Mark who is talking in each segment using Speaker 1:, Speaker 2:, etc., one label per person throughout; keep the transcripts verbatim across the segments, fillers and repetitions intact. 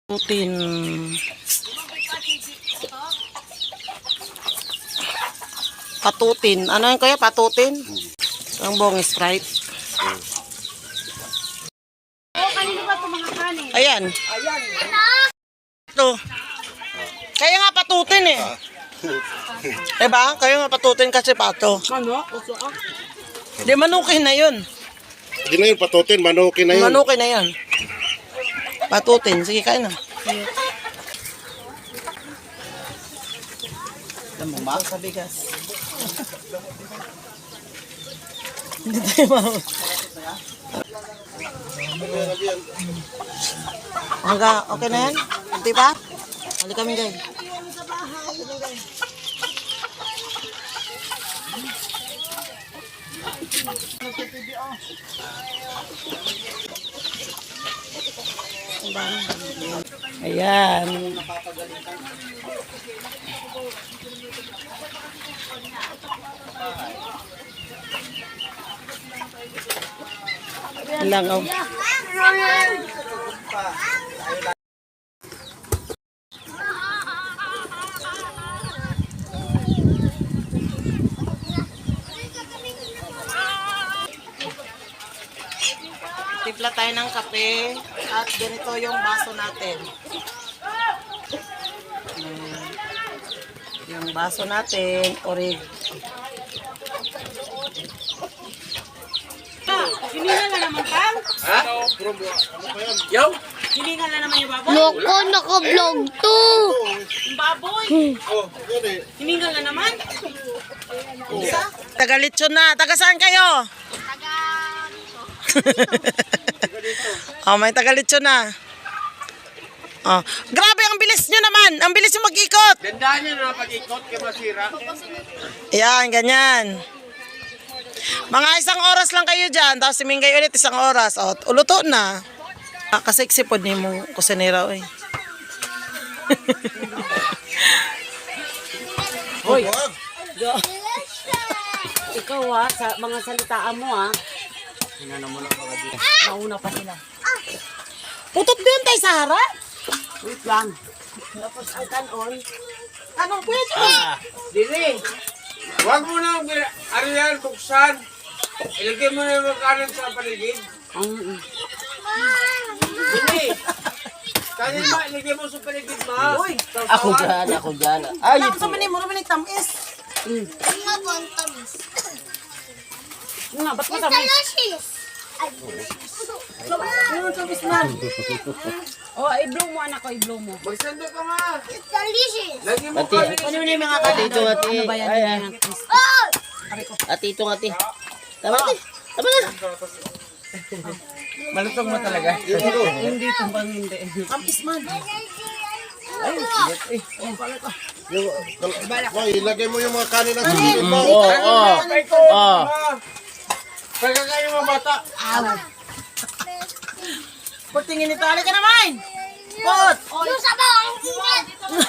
Speaker 1: Putin. Patutin. Ano yun kaya? Patutin? Ang buong Sprite.
Speaker 2: Oh, kanino ba ito mga kanin?
Speaker 1: Ayan.
Speaker 2: Ayan.
Speaker 1: Ito. Kaya nga patutin eh. Diba? Kaya nga patutin kasi pato.
Speaker 2: Ano? Uso ah.
Speaker 1: Di manukin na yun.
Speaker 3: Hindi na yun patutin, manukin na yun.
Speaker 1: Manukin na yun. Patutin. Sige, kain na.
Speaker 3: Ano ba?
Speaker 1: Sa bigas. Hindi tayo mahal. Hangga, okay na yan? Hindi pa? Hali kami guys. Ayan. Langaw. Timpla tayo ng kape at ganito yung baso natin. Ayan. Yung baso natin, orig.
Speaker 2: Hiningal na naman, Pang?
Speaker 3: Ha? Yo?
Speaker 2: Hiningal na naman yung baboy?
Speaker 4: Loko, naka-vlog to.
Speaker 2: Yung baboy?
Speaker 3: Oh, yun eh.
Speaker 2: Hiningal na naman?
Speaker 1: Taga Lechon na. Taga saan kayo?
Speaker 4: Taga
Speaker 1: Oh, may taga Lechon na. Oh, grabe ang bilis nyo naman. Ang bilis yung mag-ikot.
Speaker 3: Gandaan nyo na pag-ikot kay masira.
Speaker 1: Ayan, ganyan. Mga isang oras lang kayo dyan. Tapos simingay ulit isang oras. O, uluto na. Ah, kasi eksipod ni mong kusinera. Oy.
Speaker 2: Hoy! Ikaw ah, sa mga salitaan mo ah. Nauna pa sila.
Speaker 1: Putot ba yun tayo sa harap?
Speaker 2: Wait lang. Tapos ang kanon.
Speaker 1: Anong pwede?
Speaker 5: Ah, Dili. Huwag mo na ariyan, buksan. Ilagay mo na yung makanan sa paligid.
Speaker 2: Ang...
Speaker 5: Dili. Kanin ba, ilagay mo sa paligid ma.
Speaker 1: Uy!
Speaker 5: Ako dyan,
Speaker 2: ako dyan.
Speaker 1: Ay, ito sa manin mo naman yung tamis.
Speaker 4: Mga bontamis.
Speaker 2: Nga, ba't mo tamis?
Speaker 4: Delicious.
Speaker 1: Ano yung tamis na?
Speaker 2: Oh, i-blow mo anak ko, i-blow mo.
Speaker 5: Magsando ka nga.
Speaker 4: It's delicious.
Speaker 5: Lagi mo kanin.
Speaker 2: Ano na yung mga kanin?
Speaker 6: Ito nga,
Speaker 2: Ano ba yan?
Speaker 6: Ay,
Speaker 2: Yan
Speaker 6: ah.
Speaker 2: ang twist.
Speaker 4: Oh!
Speaker 6: Ate, ito nga, ate. Tama na. Tama na.
Speaker 5: Malutong mo talaga.
Speaker 2: Hindi ito bang hindi.
Speaker 1: Tamis man.
Speaker 3: Boy, ilagay mo yung mga kanin ng sisig mo.
Speaker 6: Oo, oo. Oo.
Speaker 5: Pagka kayo mga bata.
Speaker 1: Put, tingin nito. Halika naman! Put!
Speaker 4: Yung sabaw, ang init.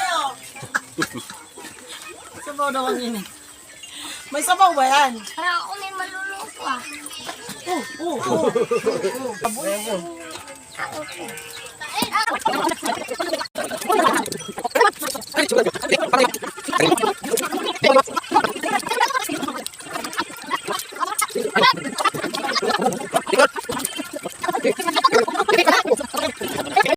Speaker 1: Sabaw daw ang init. May sabaw ba yan?
Speaker 4: Parang ako may maluluto ah.
Speaker 1: Oo, oo, oo.